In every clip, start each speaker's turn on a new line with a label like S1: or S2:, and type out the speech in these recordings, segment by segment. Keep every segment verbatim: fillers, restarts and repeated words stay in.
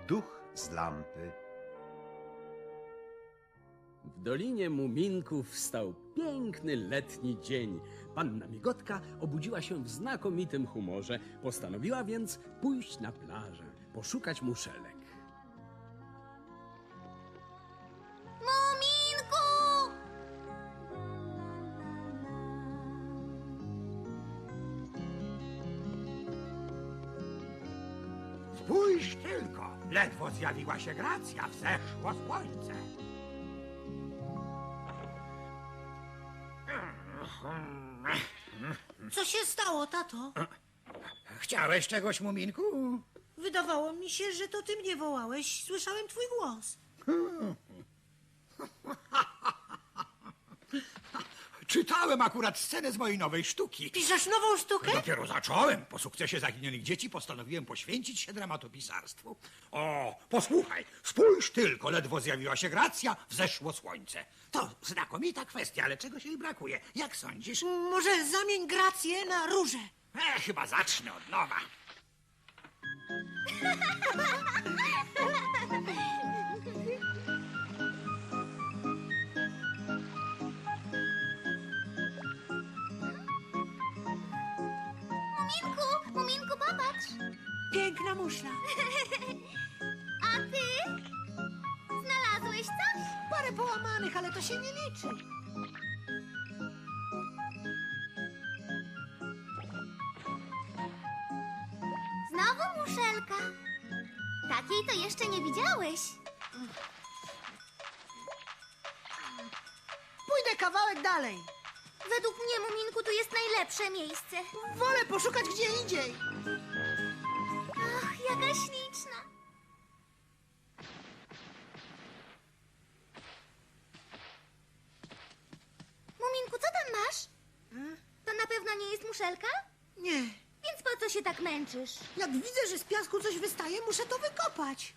S1: Duch z lampy.
S2: W Dolinie Muminków wstał piękny letni dzień. Panna Migotka obudziła się w znakomitym humorze. Postanowiła więc pójść na plażę, poszukać muszelek.
S3: Muminku!
S4: Spójrz tylko, ledwo zjawiła się Gracja, wzeszło słońce.
S5: Co się stało, tato?
S4: Chciałeś czegoś, Muminku?
S5: Wydawało mi się, że to ty mnie wołałeś. Słyszałem twój głos.
S4: Czytałem akurat scenę z mojej nowej sztuki.
S5: Piszesz nową sztukę?
S4: Dopiero zacząłem. Po sukcesie Zaginionych Dzieci postanowiłem poświęcić się dramatopisarstwu. O, posłuchaj, spójrz tylko, ledwo zjawiła się Gracja, wzeszło słońce. To znakomita kwestia, ale czegoś jej brakuje. Jak sądzisz?
S5: Może zamień Grację na różę.
S4: E, chyba zacznę od nowa.
S3: Muminku, Muminku, popatrz.
S5: Piękna muszla.
S3: A ty? Znalazłeś coś?
S5: Parę połamanych, ale to się nie liczy.
S3: Znowu muszelka. Takiej to jeszcze nie widziałeś.
S5: Pójdę kawałek dalej.
S3: Według mnie, Muminku, tu jest najlepsze miejsce.
S5: Wolę poszukać gdzie indziej.
S3: Ach, jaka śliczna. Muminku, co tam masz? To na pewno nie jest muszelka?
S5: Nie.
S3: Więc po co się tak męczysz?
S5: Jak widzę, że z piasku coś wystaje, muszę to wykopać.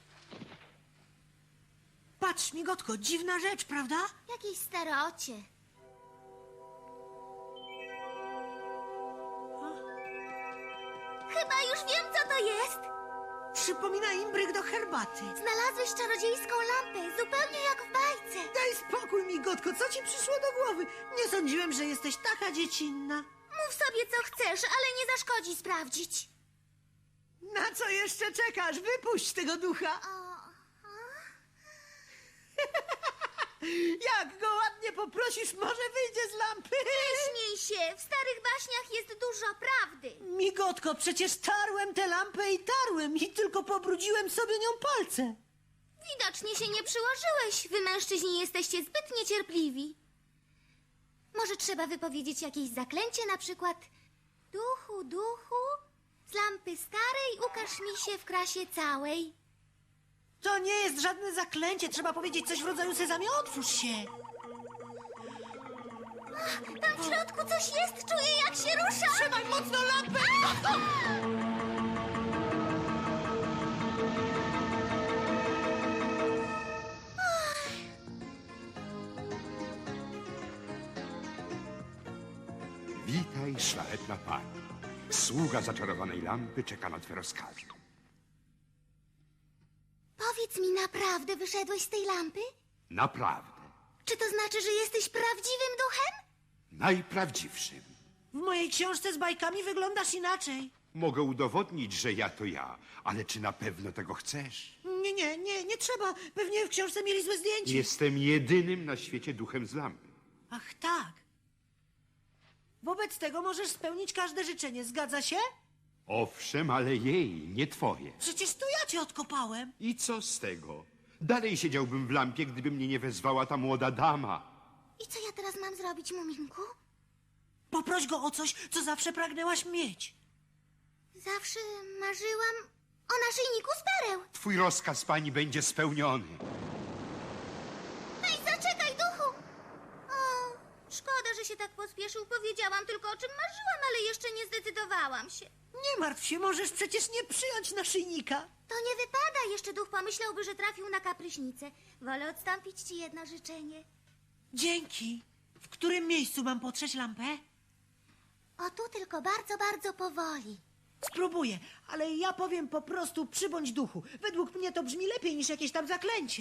S5: Patrz, Migotko, dziwna rzecz, prawda?
S3: Jakieś starocie. Chyba już wiem, co to jest.
S5: Przypomina imbryk do herbaty.
S3: Znalazłeś czarodziejską lampę, zupełnie jak w bajce.
S5: Daj spokój, Migotko, co ci przyszło do głowy? Nie sądziłem, że jesteś taka dziecinna.
S3: Mów sobie, co chcesz, ale nie zaszkodzi sprawdzić.
S5: Na co jeszcze czekasz? Wypuść tego ducha.
S3: O,
S5: Jak go ładnie poprosisz, może wyjdzie z lampy.
S3: nie śmiej się, w starych baśniach jest dużo prawdy.
S5: Migotko, przecież tarłem tę lampę i tarłem i tylko pobrudziłem sobie nią palce.
S3: Widocznie się nie przyłożyłeś. Wy, mężczyźni, jesteście zbyt niecierpliwi. Może trzeba wypowiedzieć jakieś zaklęcie, na przykład duchu, duchu, z lampy starej ukaż mi się w krasie całej.
S5: To nie jest żadne zaklęcie, trzeba powiedzieć coś w rodzaju Sezamie, otwórz się.
S3: Tam w środku coś jest, czuję jak się rusza.
S5: Trzymaj mocno lampę!
S6: Witaj, szlachetna pani. Sługa zaczarowanej lampy czeka na twe rozkazy.
S3: Powiedz mi, naprawdę wyszedłeś z tej lampy?
S6: Naprawdę.
S3: Czy to znaczy, że jesteś prawdziwym duchem?
S6: Najprawdziwszym.
S5: W mojej książce z bajkami wyglądasz inaczej.
S6: Mogę udowodnić, że ja to ja, ale czy na pewno tego chcesz?
S5: Nie, nie, nie, nie trzeba. Pewnie w książce mieli złe zdjęcie.
S6: Jestem jedynym na świecie duchem z lampy.
S5: Ach, tak. Wobec tego możesz spełnić każde życzenie, zgadza się?
S6: Owszem, ale jej, nie twoje.
S5: Przecież to ja cię odkopałem.
S6: I co z tego? Dalej siedziałbym w lampie, gdyby mnie nie wezwała ta młoda dama.
S3: I co ja teraz mam zrobić, Muminku?
S5: Poproś go o coś, co zawsze pragnęłaś mieć.
S3: Zawsze marzyłam o naszyjniku z pereł.
S6: Twój rozkaz, pani, będzie spełniony.
S3: Hej, zaczekaj, duchu! O, szkoda, że się tak pospieszył. Powiedziałam tylko, o czym marzyłam, ale jeszcze nie zdecydowałam się.
S5: Nie martw się, możesz przecież nie przyjąć naszyjnika.
S3: To nie wypada. Jeszcze duch pomyślałby, że trafił na kapryśnicę. Wolę odstąpić ci jedno życzenie.
S5: Dzięki. W którym miejscu mam potrzeć lampę?
S3: O tu tylko bardzo, bardzo powoli.
S5: Spróbuję, ale ja powiem po prostu przybądź duchu. Według mnie to brzmi lepiej niż jakieś tam zaklęcie.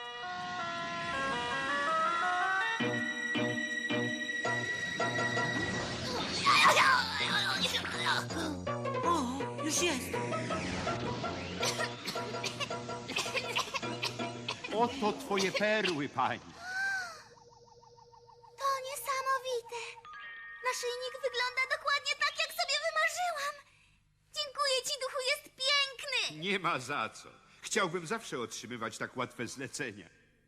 S5: O, już jest.
S6: Oto twoje perły, pani.
S3: To niesamowite. Naszyjnik wygląda dokładnie tak, jak sobie wymarzyłam. Dziękuję ci, duchu, jest piękny.
S6: Nie ma za co. Chciałbym zawsze otrzymywać tak łatwe zlecenia.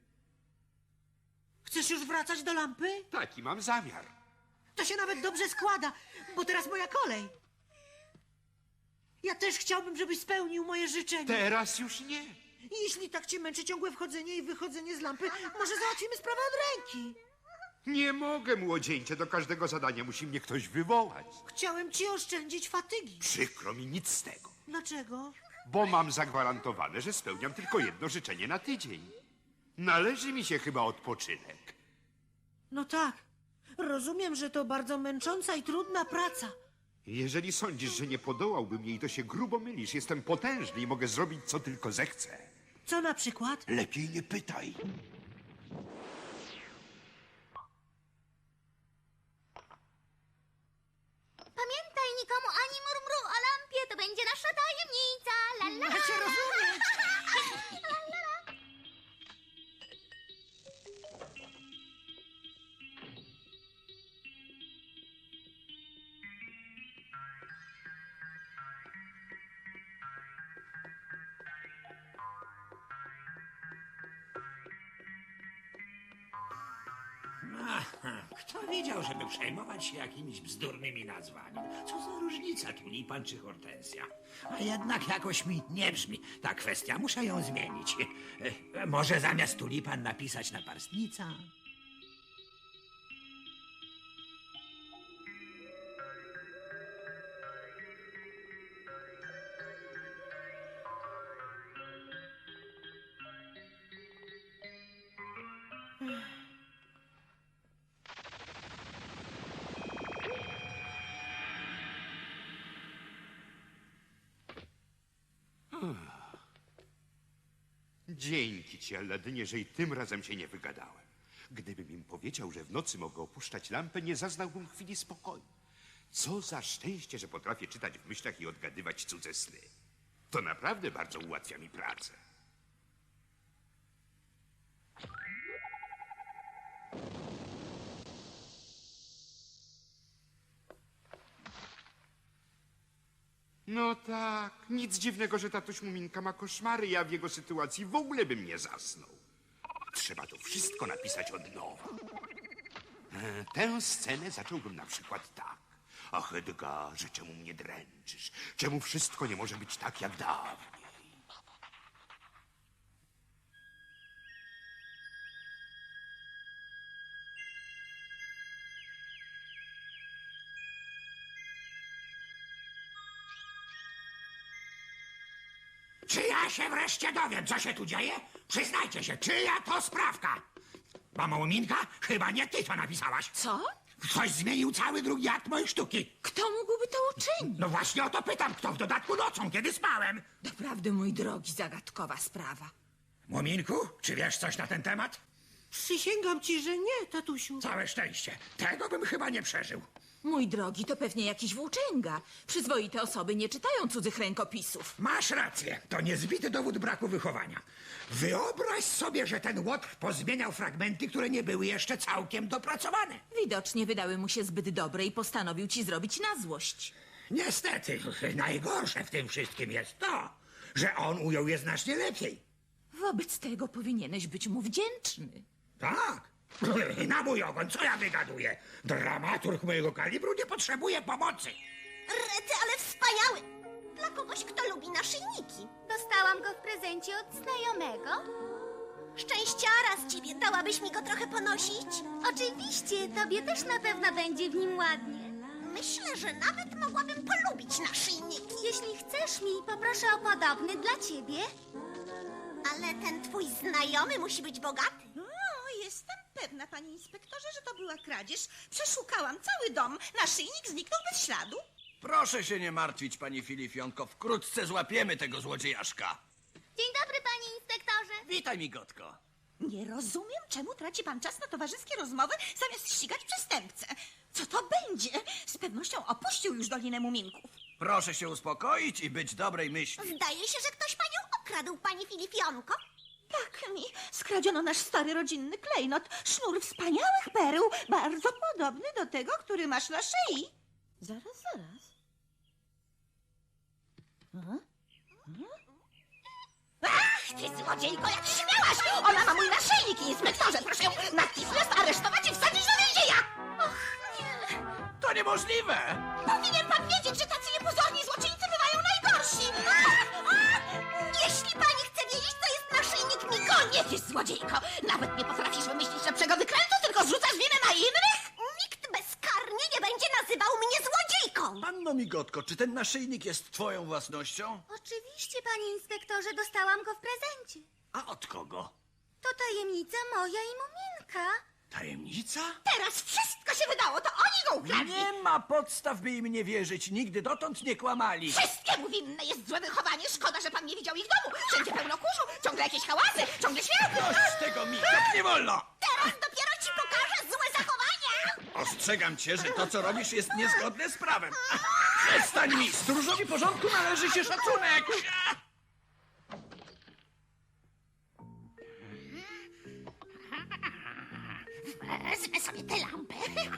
S5: Chcesz już wracać do lampy?
S6: Taki mam zamiar.
S5: To się nawet dobrze składa, bo teraz moja kolej. Ja też chciałbym, żebyś spełnił moje życzenie.
S6: Teraz już nie.
S5: Jeśli tak cię męczy ciągłe wchodzenie i wychodzenie z lampy, może załatwimy sprawę od ręki.
S6: Nie mogę, młodzieńcze. Do każdego zadania musi mnie ktoś wywołać.
S5: Chciałem ci oszczędzić fatygi.
S6: Przykro mi, nic z tego.
S5: Dlaczego?
S6: Bo mam zagwarantowane, że spełniam tylko jedno życzenie na tydzień. Należy mi się chyba odpoczynek.
S5: No tak. Rozumiem, że to bardzo męcząca i trudna praca.
S6: Jeżeli sądzisz, że nie podołałbym jej, to się grubo mylisz. Jestem potężny i mogę zrobić, co tylko zechcę.
S5: Co na przykład?
S6: Lepiej nie pytaj.
S3: Pamiętaj, nikomu ani murmuru o lampie, to będzie nasza tajemnica. La, la,
S5: Ja cię rozumiem.
S4: Aha, kto wiedział, żeby przejmować się jakimiś bzdurnymi nazwami? Co za różnica, tulipan czy hortensja? A jednak jakoś mi nie brzmi ta kwestia. Muszę ją zmienić. E, e, może zamiast tulipan napisać naparstnica?
S6: Dzięki ci, Alladynie, że i tym razem się nie wygadałem. Gdybym im powiedział, że w nocy mogę opuszczać lampę, nie zaznałbym chwili spokoju. Co za szczęście, że potrafię czytać w myślach i odgadywać cudze sny. To naprawdę bardzo ułatwia mi pracę. No tak, nic dziwnego, że tatuś Muminka ma koszmary. Ja w jego sytuacji w ogóle bym nie zasnął. Trzeba to wszystko napisać od nowa. E, Tę scenę zacząłbym na przykład tak. Ach, Edgarze, czemu mnie dręczysz? Czemu wszystko nie może być tak jak dawniej?
S4: Czy ja się wreszcie dowiem, co się tu dzieje? Przyznajcie się, czyja to sprawka? Mamo Muminka, chyba nie ty to napisałaś.
S1: Co?
S4: Ktoś zmienił cały drugi akt mojej sztuki.
S1: Kto mógłby to uczynić?
S4: No właśnie o to pytam, kto w dodatku nocą, kiedy spałem.
S1: Doprawdy, mój drogi, zagadkowa sprawa.
S4: Muminku, czy wiesz coś na ten temat?
S5: Przysięgam ci, że nie, tatusiu.
S4: Całe szczęście. Tego bym chyba nie przeżył.
S1: Mój drogi, to pewnie jakiś włóczęga. Przyzwoite osoby nie czytają cudzych rękopisów.
S4: Masz rację, to niezbity dowód braku wychowania. Wyobraź sobie, że ten łotr pozmieniał fragmenty, które nie były jeszcze całkiem dopracowane.
S1: Widocznie wydały mu się zbyt dobre i postanowił ci zrobić na złość.
S4: Niestety, najgorsze w tym wszystkim jest to, że on ujął je znacznie lepiej.
S1: Wobec tego powinieneś być mu wdzięczny.
S4: Tak. Na mój ogon, co ja wygaduję? Dramaturg mojego kalibru nie potrzebuje pomocy.
S3: Rety, ale wspaniały! Dla kogoś, kto lubi naszyjniki. Dostałam go w prezencie od znajomego. Szczęściara z ciebie, dałabyś mi go trochę ponosić? Oczywiście, tobie też na pewno będzie w nim ładnie. Myślę, że nawet mogłabym polubić naszyjniki. Jeśli chcesz mi, poproszę o podobny dla ciebie. Ale ten twój znajomy musi być bogaty.
S7: O, jestem pewna, panie inspektorze, że to była kradzież. Przeszukałam cały dom. Naszyjnik zniknął bez śladu.
S8: Proszę się nie martwić, pani Filifionko. Wkrótce złapiemy tego złodziejaszka.
S3: Dzień dobry, panie inspektorze.
S8: Witaj, migotko.
S7: Nie rozumiem, czemu traci pan czas na towarzyskie rozmowy, zamiast ścigać przestępcę. Co to będzie? Z pewnością opuścił już Dolinę Muminków.
S8: Proszę się uspokoić i być dobrej myśli.
S3: Zdaje się, że ktoś panią okradł, pani Filifionko.
S7: Tak mi skradziono nasz stary rodzinny klejnot, sznur wspaniałych pereł, bardzo podobny do tego, który masz na szyi. Zaraz, zaraz. Aha.
S3: Ach, ty złodziejko, jak śmiałaś! Ona ma mój naszyjnik, inspektorze! Proszę ją natychmiast aresztować i wsadzić do więzienia! Och, nie.
S8: To niemożliwe!
S3: Powinien pan wiedzieć, że tacy niepozorni złoczyńcy bywają najgorsi! Ach, ach. Jeśli pani chce wiedzieć, co jest naszyjnik, mi koniec jest, złodziejko! Nawet nie potrafisz wymyślić lepszego wykrętu, tylko zrzucasz winę na innych? Nikt bezkarnie nie będzie nazywał mnie złodziejką!
S8: Panno migotko, czy ten naszyjnik jest twoją własnością?
S3: Oczywiście, panie inspektorze, dostałam go w prezencie.
S8: A od kogo?
S3: To tajemnica moja i Muminka.
S8: Tajemnica?
S3: Teraz wszystko się wydało, to oni go ukradli!
S8: Nie ma podstaw, by im nie wierzyć. Nigdy dotąd nie kłamali.
S3: Wszystkiemu winne jest złe wychowanie. Szkoda, że pan nie widział ich domu. Wszędzie pełno kurzu, ciągle jakieś hałasy, ciągle śmiech.
S8: Dość tego, migotk, nie wolno!
S3: Teraz dopiero ci pokażę złe zachowania.
S8: Ostrzegam cię, że to, co robisz, jest niezgodne z prawem. Przestań mi! Stróżowi porządku należy się szacunek!
S3: Wezmę sobie tę lampę.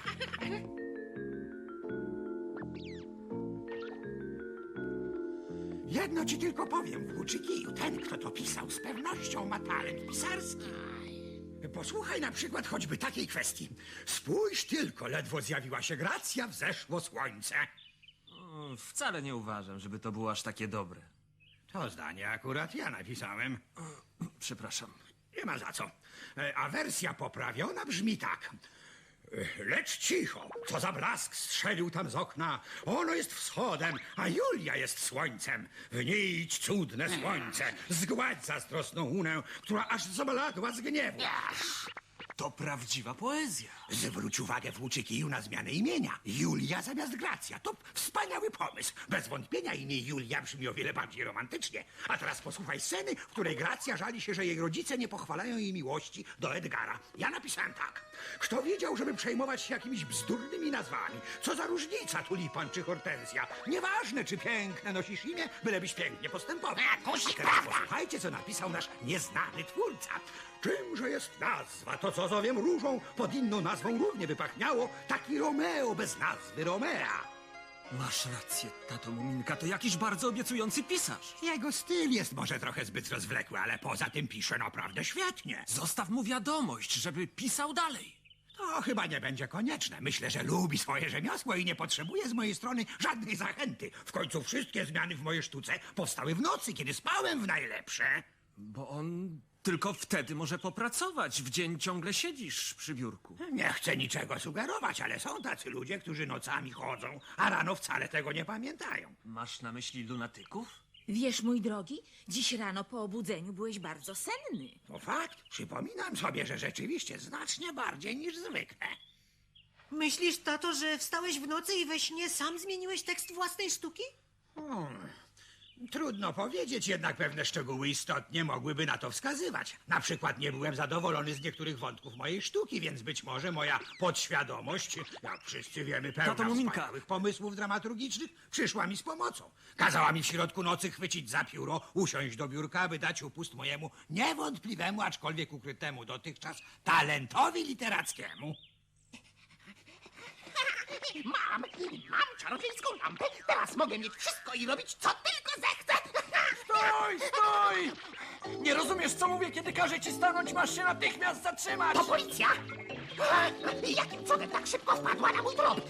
S4: Jedno ci tylko powiem, włóczykiju, ten, kto to pisał, z pewnością ma talent pisarski. Posłuchaj na przykład choćby takiej kwestii. Spójrz tylko, ledwo zjawiła się Gracja, wzeszło słońce.
S9: O, wcale nie uważam, żeby to było aż takie dobre.
S4: To zdanie akurat ja napisałem.
S9: Przepraszam.
S4: Nie ma za co. E, A wersja poprawiona brzmi tak. E, Lecz cicho, co za blask strzelił tam z okna. Ono jest wschodem, a Julia jest słońcem. W niej idź cudne słońce, zgładź zazdrosną unę, która aż zabladła z gniewu.
S9: To prawdziwa poezja.
S4: Zwróć uwagę włóczykiju na zmianę imienia. Julia zamiast Gracja. To wspaniały pomysł. Bez wątpienia imię Julia brzmi o wiele bardziej romantycznie. A teraz posłuchaj sceny, w której Gracja żali się, że jej rodzice nie pochwalają jej miłości do Edgara. Ja napisałem tak. Kto wiedział, żeby przejmować się jakimiś bzdurnymi nazwami? Co za różnica, tulipan czy hortensja? Nieważne, czy piękne nosisz imię, bylebyś pięknie postępował. A teraz posłuchajcie, co napisał nasz nieznany twórca. Czymże jest nazwa? To, co zowiem różą, pod inną nazwą równie by pachniało. Taki Romeo bez nazwy Romea.
S9: Masz rację, tato Muminka, to jakiś bardzo obiecujący pisarz.
S4: Jego styl jest może trochę zbyt rozwlekły, ale poza tym pisze naprawdę świetnie.
S9: Zostaw mu wiadomość, żeby pisał dalej.
S4: To chyba nie będzie konieczne. Myślę, że lubi swoje rzemiosło i nie potrzebuje z mojej strony żadnej zachęty. W końcu wszystkie zmiany w mojej sztuce powstały w nocy, kiedy spałem w najlepsze.
S9: Bo on tylko wtedy może popracować. W dzień ciągle siedzisz przy biurku.
S4: Nie chcę niczego sugerować, ale są tacy ludzie, którzy nocami chodzą, a rano wcale tego nie pamiętają.
S9: Masz na myśli lunatyków?
S1: Wiesz, mój drogi, dziś rano po obudzeniu byłeś bardzo senny.
S4: To fakt. Przypominam sobie, że rzeczywiście znacznie bardziej niż zwykle.
S5: Myślisz, tato, że wstałeś w nocy i we śnie sam zmieniłeś tekst własnej sztuki?
S4: Hmm. Trudno powiedzieć, jednak pewne szczegóły istotnie mogłyby na to wskazywać. Na przykład nie byłem zadowolony z niektórych wątków mojej sztuki, więc być może moja podświadomość, jak wszyscy wiemy, pełna
S9: Tato Muminka.
S4: wspaniałych pomysłów dramaturgicznych, przyszła mi z pomocą. Kazała mi w środku nocy chwycić za pióro, usiąść do biurka, aby dać upust mojemu niewątpliwemu, aczkolwiek ukrytemu dotychczas talentowi literackiemu.
S3: Mam, mam czarodziejską lampę. Teraz mogę mieć wszystko i robić, co tylko zechcę.
S8: Stój, stój! Nie rozumiesz, co mówię, kiedy każę ci stanąć, masz się natychmiast zatrzymać!
S3: To policja! Jakim cudem tak szybko wpadła na mój trop?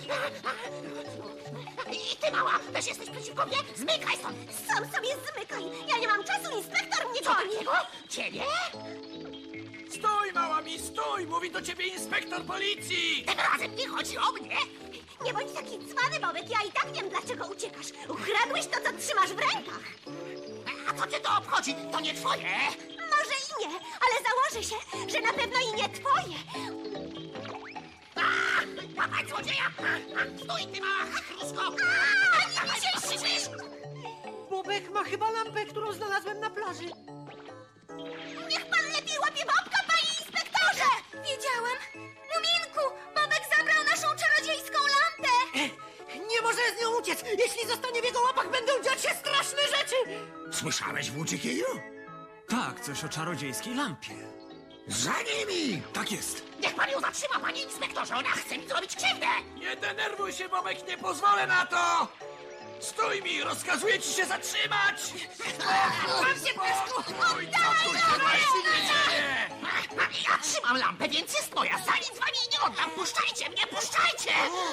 S3: I ty, mała, też jesteś przeciwko mnie? Zmykaj stąd! Sam sobie zmykaj! Ja nie mam czasu, inspektor mnie czego? Ciebie?
S8: Stój, mała mi, stój! Mówi do ciebie inspektor policji!
S3: Tym razem nie chodzi o mnie! Nie bądź taki cwany, Bobek, ja i tak wiem, dlaczego uciekasz. Ukradłeś to, co trzymasz w rękach. A co cię to obchodzi? To nie twoje? Może i nie, ale założę się, że na pewno i nie twoje.
S4: Łapać złodzieja! Stój, ty mała chrusko! Nie widzieliście przecież!
S5: Bobek ma chyba lampę, którą znalazłem na plaży.
S3: Niech pan lepiej łapie Bobka, panie inspektorze! Wiedziałem! Muminku, Bobek zabrał naszą czarodziejską lampę!
S5: Nie może z nią uciec! Jeśli zostanie w jego łapach, będą dziać się straszne rzeczy!
S4: Słyszałeś, włóczykiju?
S9: Tak, coś o czarodziejskiej lampie.
S4: Za nimi!
S9: Tak jest.
S4: Niech pan ją zatrzyma, panie inspektorze! Ona chce mi zrobić krzywdę!
S8: Nie denerwuj się, Bobek, nie pozwolę na to! Stój mi, rozkazuję ci się zatrzymać!
S4: Pan się piesku!
S8: Stój, co tu się właściwie dzieje?
S4: Ja trzymam lampę, więc jest moja! Za nic wam jej nie oddam! Puszczajcie mnie, puszczajcie!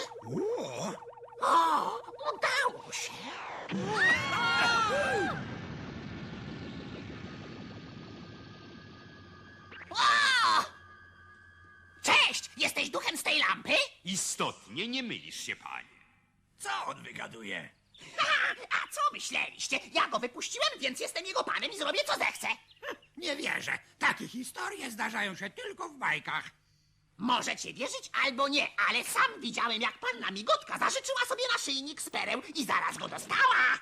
S4: O, udało się! O! Cześć! Jesteś duchem z tej lampy?
S6: Istotnie nie mylisz się, panie.
S8: Co on wygaduje?
S4: A, a co myśleliście? Ja go wypuściłem, więc jestem jego panem i zrobię co zechcę. Nie wierzę. Takie historie zdarzają się tylko w bajkach. Możecie wierzyć albo nie, ale sam widziałem, jak panna Migotka zażyczyła sobie naszyjnik z pereł i zaraz go dostała.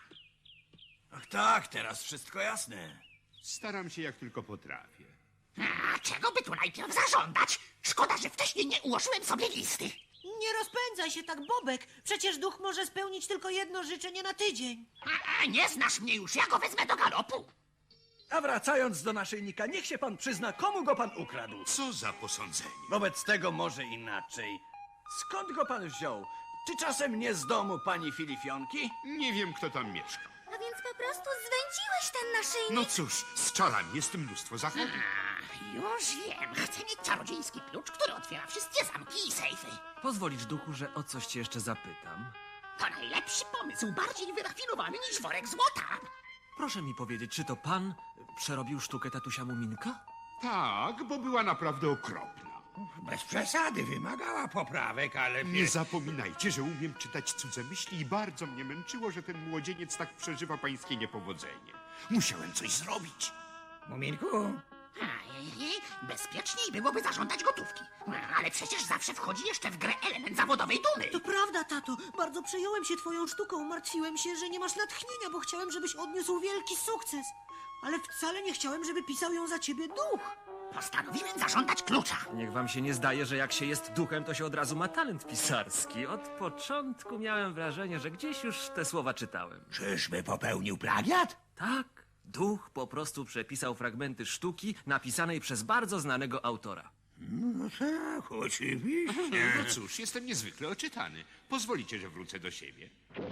S8: Ach tak, teraz wszystko jasne.
S6: Staram się jak tylko potrafię.
S4: A czego by tu najpierw zażądać? Szkoda, że wcześniej nie ułożyłem sobie listy.
S5: Nie rozpędzaj się tak, Bobek. Przecież duch może spełnić tylko jedno życzenie na tydzień.
S4: A, a nie znasz mnie już, ja go wezmę do galopu.
S8: A wracając do naszyjnika, niech się pan przyzna, komu go pan ukradł.
S6: Co za posądzenie?
S8: Wobec tego może inaczej. Skąd go pan wziął? Czy czasem nie z domu pani Filifionki?
S6: Nie wiem, kto tam mieszka.
S3: A więc po prostu zwędziłeś ten naszyjnik?
S6: No cóż, z czarami jest mnóstwo zachodów.
S4: Ach, już wiem. Chcę mieć czarodziejski klucz, który otwiera wszystkie zamki i sejfy.
S9: Pozwolisz, duchu, że o coś cię jeszcze zapytam?
S4: To najlepszy pomysł, bardziej wyrafinowany niż worek złota.
S9: Proszę mi powiedzieć, czy to pan przerobił sztukę tatusia Muminka?
S6: Tak, bo była naprawdę okropna.
S4: Bez przesady, wymagała poprawek, ale...
S6: Nie zapominajcie, że umiem czytać cudze myśli i bardzo mnie męczyło, że ten młodzieniec tak przeżywa pańskie niepowodzenie. Musiałem coś zrobić.
S4: Muminku? Ej, bezpieczniej byłoby zażądać gotówki. Ale przecież zawsze wchodzi jeszcze w grę element zawodowej dumy.
S5: To prawda, tato. Bardzo przejąłem się twoją sztuką. Martwiłem się, że nie masz natchnienia, bo chciałem, żebyś odniósł wielki sukces. Ale wcale nie chciałem, żeby pisał ją za ciebie duch.
S4: Postanowiłem zażądać klucza.
S9: Niech wam się nie zdaje, że jak się jest duchem, to się od razu ma talent pisarski. Od początku miałem wrażenie, że gdzieś już te słowa czytałem.
S4: Czyżby popełnił plagiat?
S9: Tak, duch po prostu przepisał fragmenty sztuki napisanej przez bardzo znanego autora.
S4: No tak, oczywiście.
S6: No cóż, jestem niezwykle oczytany. Pozwolicie, że wrócę do siebie.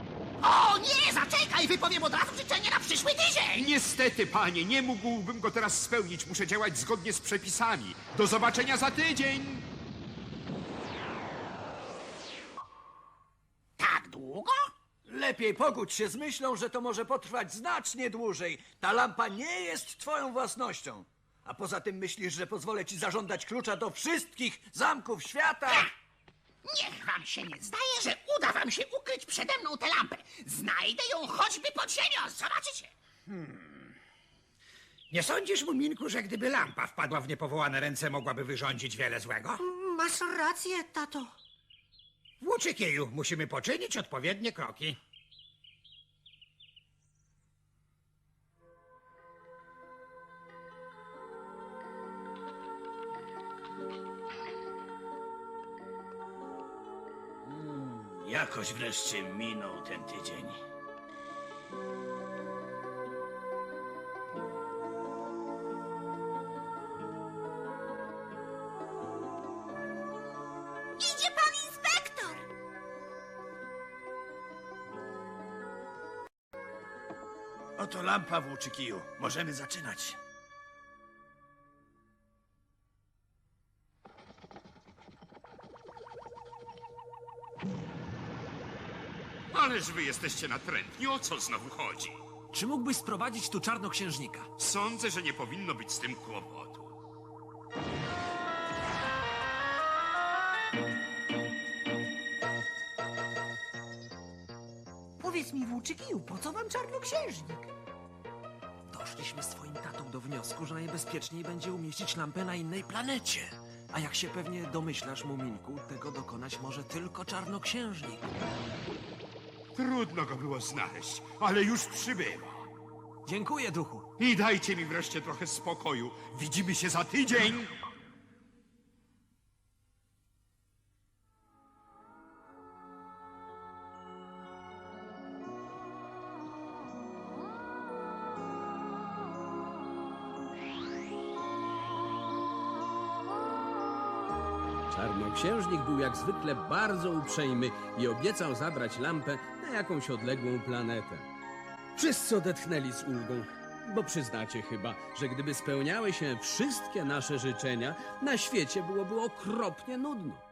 S4: O nie, zaczekaj, wypowiem od razu życzenie na przyszły tydzień.
S6: Niestety, panie, nie mógłbym go teraz spełnić. Muszę działać zgodnie z przepisami. Do zobaczenia za tydzień!
S4: Tak długo?
S8: Lepiej pogódź się z myślą, że to może potrwać znacznie dłużej. Ta lampa nie jest twoją własnością. A poza tym myślisz, że pozwolę ci zażądać klucza do wszystkich zamków świata?
S4: Niech wam się nie zdaje, że uda wam się ukryć przede mną tę lampę. Znajdę ją choćby pod ziemią, zobaczycie. Hmm. Nie sądzisz, Muminku, że gdyby lampa wpadła w niepowołane ręce, mogłaby wyrządzić wiele złego?
S5: Masz rację, tato.
S4: Włóczykieju, musimy poczynić odpowiednie kroki.
S8: Jakoś wreszcie minął ten tydzień.
S3: Idzie pan inspektor!
S8: Oto lampa, włóczykiju. Możemy zaczynać.
S6: Ależ wy jesteście natrętni. O co znowu chodzi?
S9: Czy mógłbyś sprowadzić tu czarnoksiężnika?
S6: Sądzę, że nie powinno być z tym kłopotu.
S5: Powiedz mi, włóczykiju, po co wam czarnoksiężnik?
S9: Doszliśmy z twoim tatą do wniosku, że najbezpieczniej będzie umieścić lampę na innej planecie. A jak się pewnie domyślasz, Muminku, tego dokonać może tylko czarnoksiężnik.
S6: Trudno go było znaleźć, ale już przybywa.
S9: Dziękuję, duchu.
S6: I dajcie mi wreszcie trochę spokoju. Widzimy się za tydzień.
S2: Czarnoksiężnik był jak zwykle bardzo uprzejmy i obiecał zabrać lampę na jakąś odległą planetę. Wszyscy odetchnęli z ulgą, bo przyznacie chyba, że gdyby spełniały się wszystkie nasze życzenia, na świecie byłoby okropnie nudno.